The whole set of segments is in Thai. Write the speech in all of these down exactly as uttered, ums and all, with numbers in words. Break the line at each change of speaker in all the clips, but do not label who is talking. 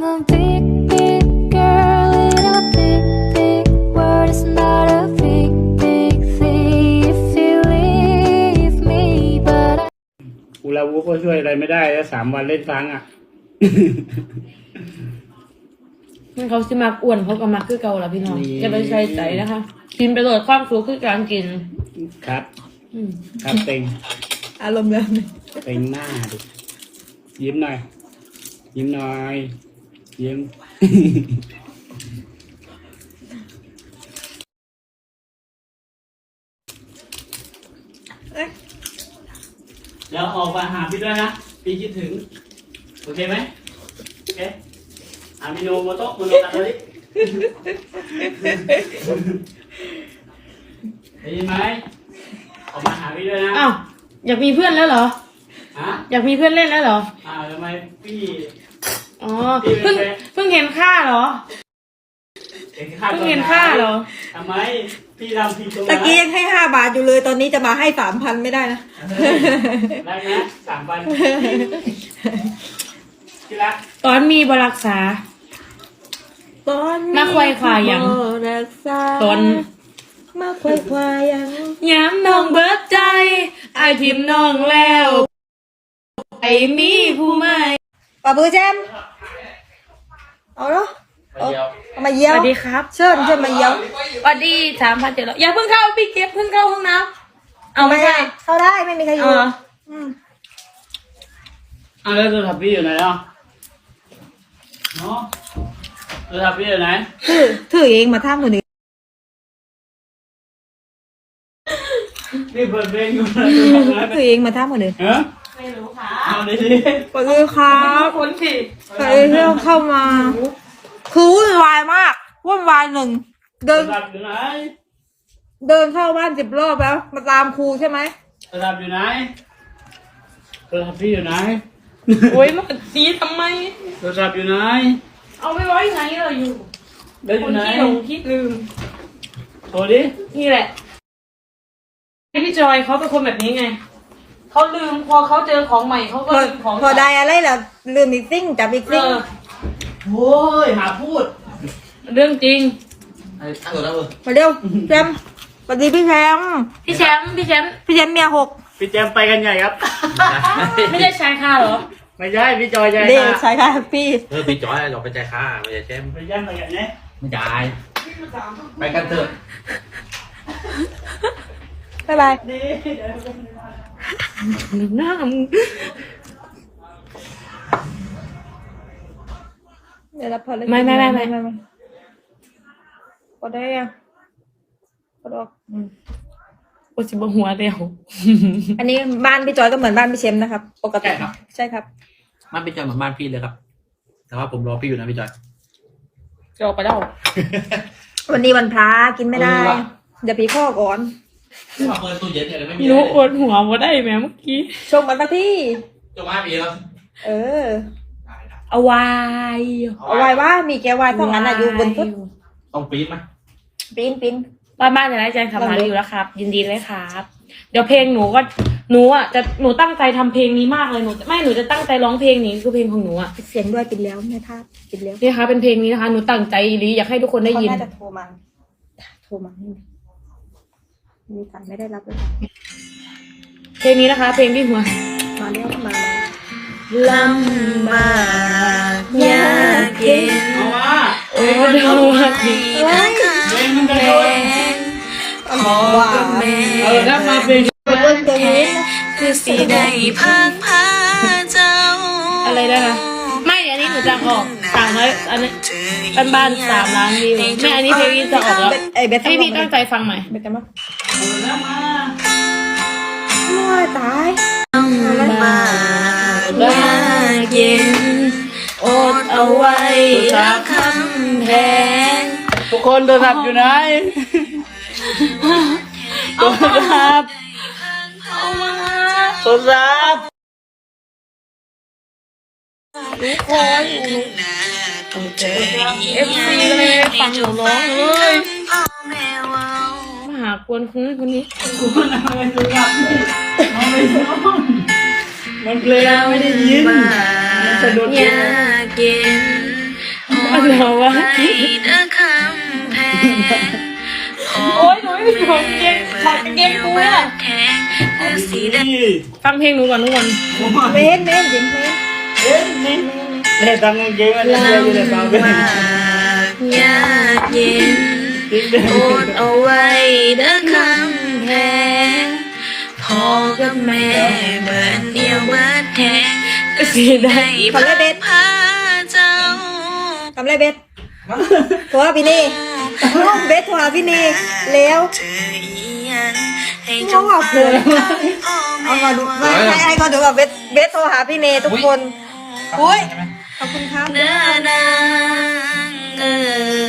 I'm a big, big girl in a big, big world. It's not a big, big thing if you leave me, but I
กูลาวูก็ช่วยอะไรไม่ได้แล้วสามวันเล่นฟังอ่ะ
มันเขาสิมากอ้วนเขาก็มักคือเก่าละพี่น้องอย่าไปใส่ใจนะคะกินไปเลยความสุขคือการกิน
ครับ
อืม
ครับเต็ง
อารมณ์แบบนี้
เต็งหน้าดิยิ้มหน่อยยิ้มหน่อยยิ้ม แล้วออกมาหาพี่ด้วยนะพี่คิดถึงโอเคไหมโอเคอามิโนโมโตะโมโนตะเลยได้ยินไหมออกมาหาพี่ด้วยนะ
อ้าวอยากมีเพื่อนแล้วเหรอ
ฮะ
อยากมีเพื่อนเล่นแล้วเหรอ
อ้าวทำไมพี่
อ๋อเพิ่งเพิ่งเห็นค่าเหรอ
เห็นค่า
เพิ่งเห็นค่าเหรอ
ทำไมพี่ทำผิดตรงไหน
ตะกี้ยังให้ห้าบาทอยู่เลยตอนนี้จะมาให้สามพันไม่ได้นะ
ได้ไหมสามพันที่รัก
ตอนมีบรักษา
ตอน
มาควายควายยัง
รักษา
ตอน
มาควายควายยัง
ย้ำน้องเบิดใจไอายทิมน้องแล้วไอมีผู้ใหม่
ป่าบือแจมเอาเนาะ
เดียว
เอามาเยี่
ส
ยว
วัสดีครับ
เชิญเชิญมาเยี่ยว
สวัสดีสามพันเจ็ดร้อยอย่าเพิ่งเข้าพี่เก็บเพิ่งเข้าห้องน้ำเอาไม่ใช่
เข้าได้ไม่มีใครอ
เอยู่ อ
อืม
อ่ะแล้วโทรศัพท์พี่อยู่ไหนอ่ะเนาะโทรศัพท์พี่อยู่ไหน
ถือถือเองมาท่ามือหนึ่ง
นี่เปิดเพลงอยู่นะ
ถือเองมาท่ามือหนึ่ง
ฮะ
ไม่รู้ค่ะ
เอาดิดิ
สวัสดีครับ
คนผิด
สวัสดีที่เข้ามาคือวุ่นวายมากวุ่นวายหนึ่งเดิ
โทร
น
ศัพท์อยู่ไหน
เดินเข้าบ้านสิบรอบแล้ว มาตามครูใช่ไหม
โทรศัพท์อยู่ไหนโทรศัพท์พี่อยู่ไหน
โอ้ยมันสีทำไม
โทรศัพท์อยู่ไหน
เอาไปไว้ไหนเราอยู่
เดี๋ยวอ
ค
ยู่
น
ไหน
ที่หลงที่ลืม
โทรดิ
นี่แหละพี่จอยเขาเป็นคนแบบนี้ไงเขาลืมพอเขาเจอของใหม่เขาก็
พอ
ลืมของ
พอได้อะไรแล้วลืมอีกซิ่งจับอีก
เอ
ซิ่ง
อ
โอ้ยหาพูด
เรื่องจริง
ไอ้ตั้งตัวแล้วเออ
มาเร็วแจมสวัสดีพี่แชมป์
พี่แชมป์พี่แชมป์
พี่แชมป์เมียหก
พี่แจมไปกันใหญ่ครับ
ไม่ใช่ชายคาเหรอ
ไม่ใช่พี่จอยใหญ่
เด็ก
ค่ะ
ใช่ค่ะพี่
เออพี่จอยเราไปใจค่าไม่ใช่แชมป์
ไปย่างไปกันเนี่ย
ไม่จ่ายไปกันเถอะ
บ๊ายบาย
หน้ามึง
เดี๋ยวรับพอเลย
ไม่ไม่ไม่ไม่
กดได้ยังกดออก
โอ้สิบหัวเดียว
อันนี้บ้านพี่จอยก็เหมือนบ้านพี่เชมนะครับ ปกติ
ใช่ครับ
ใช่ครับ
บ้านพี่จอยเหมือนบ้านพี่เลยครับ แต่ว่าผมรอพี่อยู่นะพี่จอย
จะออกไปแล้ว
วันนี้วันพระกินไม่ได้
เออว่ะ
เดี๋ยวพี่ข้อก่อน
ว่าเปิดตู้เย็นเนี่ยเลยไม่มี
หนูอดหัวมาได้ไหมเมื่อกี้
ชมกันสักที่
จงมาพี่แล้ว
เออ
ได้ได้
เอาไว้
เอาไว้ว่ามีแก้ววายสองอันอะอยู่บนฟุต
ต้องปี๊ดไหม
ปีนปีน
บ้านบ้านจะได้แจ้งทำมาอยู่แล้วครับ ยินดีเลยครับ เดี๋ยวเพลงหนูก็หนูอ่ะจะหนูตั้งใจทำเพลงนี้มากเลยหนูไม่หนูจะตั้งใจร้องเพลงนี้คือเพลงของหนูอ่ะ
ปิดเสียงด้วยปิดแล้วแม่ท่าปิดแล้ว
นี่นะคะเป็นเพลงนี้นะคะหนูตั้งใจอีหลีอยากให้ทุกคนได้
เขา
ยิน
น่าจะโทรมาโทรมานี่มีสายไม่ได้รับเลย
เพลงนี้นะคะ เพลงที่หัว
มาแล้วมา
ลำบากยากเย็น
เอามา
โอ้ดาวดี
แล้ว
เพลงมันกระโดด
ว้าว
เออถ้ามาเพลง
บนตรงนี้นะ
คือสีได้พังพาเจ้า
อะไรนะคะไม่อันนี้หนูจะออกสามร้อยอันนี้บ้านบ้านสามล้านวิวไม่อันนี้เพลงนี้จะออกแล้ว
ไอ้เบส
ให้พี่ตั้งใจฟังใหม่
เบสจะมา
เออแล้วมา
โอ้ยตาย
บากยากเย็นอดเอาไว้รักคำแพง
ทุกคนโทรศัพท์อยู่ไหนโทรศัพท์
เอามา
โทรศัพท์
ทุกคนเอฟซีเลยฟังหนูร้องเลย
พ่อแม่เว้า
มาหากวนคนนั้นคนนี้
กูนั่งเลยโทรศัพท์เอาไปซ่อนมันเพลงไม่ได้ยินมันสะดุด
ยากเย็น
เอาไว้
เด้อคำแพง
โอ๊ยหนูไม่มีของเกงถอดกางเกงกูอะ
แทงคือสีแดง
ฟังเพลงหนูก่อนทุกคน
เมนเมนจริงเมน
เอ๊ะนี่เนี่ยตังกางเกงมันจะเจออยู่ในปากเป็น
มากยากเย็นอดเอาไว้เด้อคำแพงพ่อกับแม่เบิดเดียวเบิดแทงก็สิได้พาพาเจ้า
ทำไรเบสโทรหาพี่เน่เบสโทรหาพี่เน่แล้ว
เจออีหยังให้
น้
เจ้า
องบอก
ฟั
เลย
งคำพ่อ
เอา
แม่
มาดู
ว่า
ไม่ให้ให้ก่อนดูว่าเบสเบสโทรหาพี่เน่ทุกคนอุ้ยขอบคุณครับ
เด้อนางเอ๋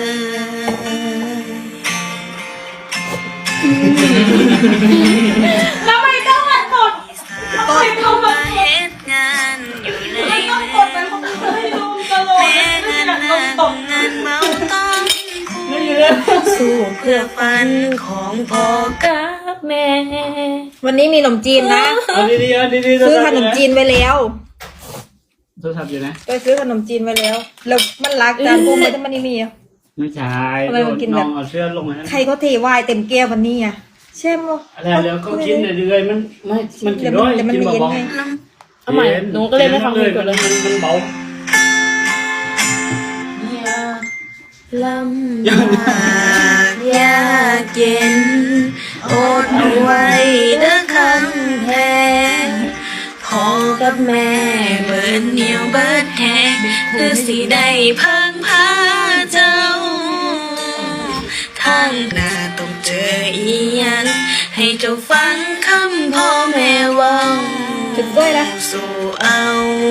ย
แล้วไม่ต้องมากด
ตอนเข้ามาเฮ็ดงานอยู่ใน
ไม่ต้อง
เมื
ก
อ
ด
ง
ไปเพราะมันจะให้ดูตลอด
แม่
ไม่
เงิน
อยากโด
นาน ง
ตบ
เงินเมาต้องคุ้มสู้เพื่อฝันของพ่อกับแม่
วันนี้มีขนมจีนนะ
เอาดีๆเอาดีๆ
ซื้อขนมจีนไว้แล้ว
โทรศัพท์อยู่นะ
ไปซื้อขนมจีนไว้แล้วแล้วมันรักจานพวกมันจะมันนี่มีอะ
ไม่ใช่
ทำไมมันกินแบบ
องเอาเสื้อลงมาให้
ใครเขาเทวายเต็มแก้ววันนี้อ่ะใช่ไหม
อะไรเดี๋ยวก็กินเรื่อยๆมันไม่มันกินด้วย
แต่มัน
กิน
ไม่เย็น
เบา
ไง
ๆ
เอาใหม่หนูก็เลยไม่ฟังเพลงก่อนเลย
มันมันเบา
ลำบากยากเย็นอดเอาไว้เด้อคำแพงพ่อกับแม่เบิดเหนียวเบิดแทงคือสิได้เพิ่งพาเจ้าทางหน้าต้องเจออีหยังให้เจ้าฟังคำพ่อแม่เว่า
จุดด้วยนะ
สู้เอา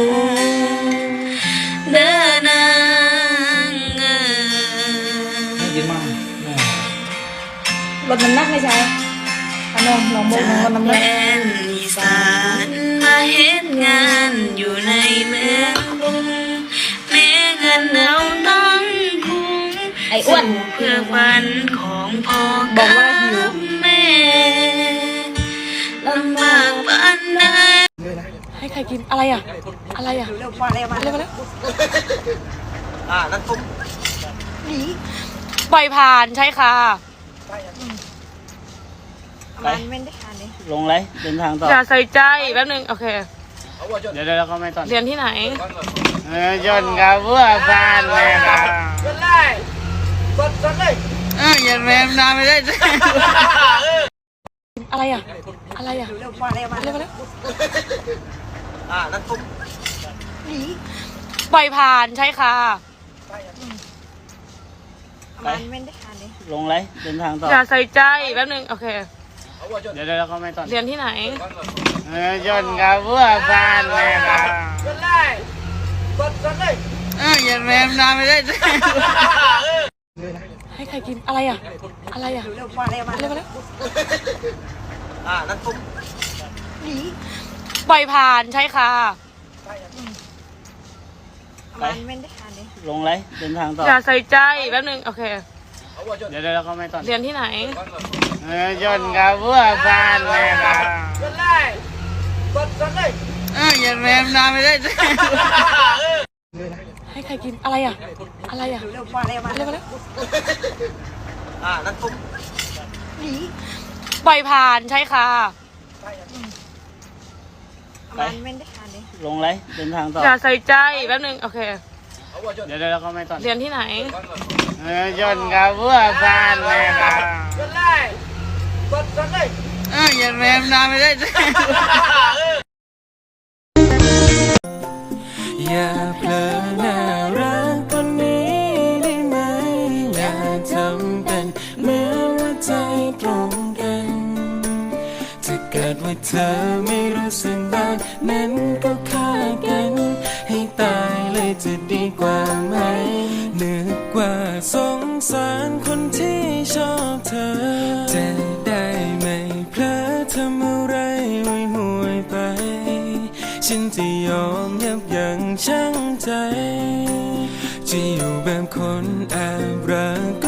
เด้อนางเอ๋ย
กินมาก
ลดน้ำหนักไม่ใช่ขนมลองบอก
จา
น้อง
ก
น้ำห
แด
นัก
นอีสานมาเฮ็ดงานอยู่ในเมืองกรุงแม้เงินเราต้องคุ้ม
ไอ้อ้วน
สู้เพื่อฝันของพ่อ
บอกว่าหิว
กับแม่ลำบากปานใด
ให้ใครกินอะไรอ่ะ อะไรอ่ะ
เร็วมาเร็วมา
เร็วมาแล้ว
อ่านั่นตุ้ม
ปล่อยผ่านใช่ค่ะ
มันไม่ได้ทานเลย
ลงเลยเดินทางต่อ
อย่าใส่ใจแป๊บนึงโอเค
เดี๋ยวเดี๋ยวเราก็ไม่ตอน
เรียนที่ไหน
เออจนกับเพื่อบ้านเลยครับเอออย่าแรมนานไม่ได้
อะไรอ่ะ อะไรอ่ะ
เร็วมาเร็วมา
เร็วมาแล้ว
อ่านั่นตุ้ม
ปล่อยผ่านใช่ค่ะ
มันไม่ได้ทานเลย
ลงเลยเดินทางต่อ
อย่าใส่ใจแป๊บนึงโอเค
เดี๋ยวเดี๋ยวเราก็ไม่ตอน
เรียนที่ไหน
เออจนกับเพื่อบ้านเลยครับเอออย่าแรมนานไม่ได้
ให้ใครกินอะไรอ่ะ อะไรอ่ะ
เร็วมาเร็วมา
เร็วมาแล้ว
อ่านั่นตุ้ม
ปล่อยผ่านใช่ค่ะ
มันไม่ได้ทานเลย
ลงเลยเดินทางต่อ
อย่าใส่ใจแป๊บนึงโอเค
เดี๋ยวเดี๋ยวเราก็ไม่ตอน
เรียนที่ไหน
เออจนกับเพื่อบ้านเลยครับเอออย่าแรมนานไม่ได้
ให้ใครกินอะไรอ่ะ อะไรอ่ะ
เร็วมาเร็วมา
เร็วมาแล้ว
อ่านั่นตุ้ม
ปล่อยผ่านใช่ค่ะ
มันไม่ได้ทานเลย
ลงเลยเดินทางต่อ
อย่าใส่ใจแป๊บนึงโอเค
เดี๋ยวเดี๋ยวเราก็ไม่ตอน
เรียนที่ไหน
เออจนกับเพื่อบ้านเลยครับเอออย่าแรมนานไม่ได้
อย่าเผลอน่ารักคนนี้ได้ไหม อย่าทำเป็นเหมือนว่าใจตรงกันถ้าเกิดว่าเธอไม่รู้สึกบ้างนั้นก็ฆ่ากัน ให้ตายเลยจะดีกว่าไหมนึกว่าสงสารคนที่ชอบเธอ จะได้ไม่เพลอทำอะไรห่วยห่วยๆไป ฉันจะยอมยับยั้งชั่งใจ จะอยู่แบบคนแอบรัก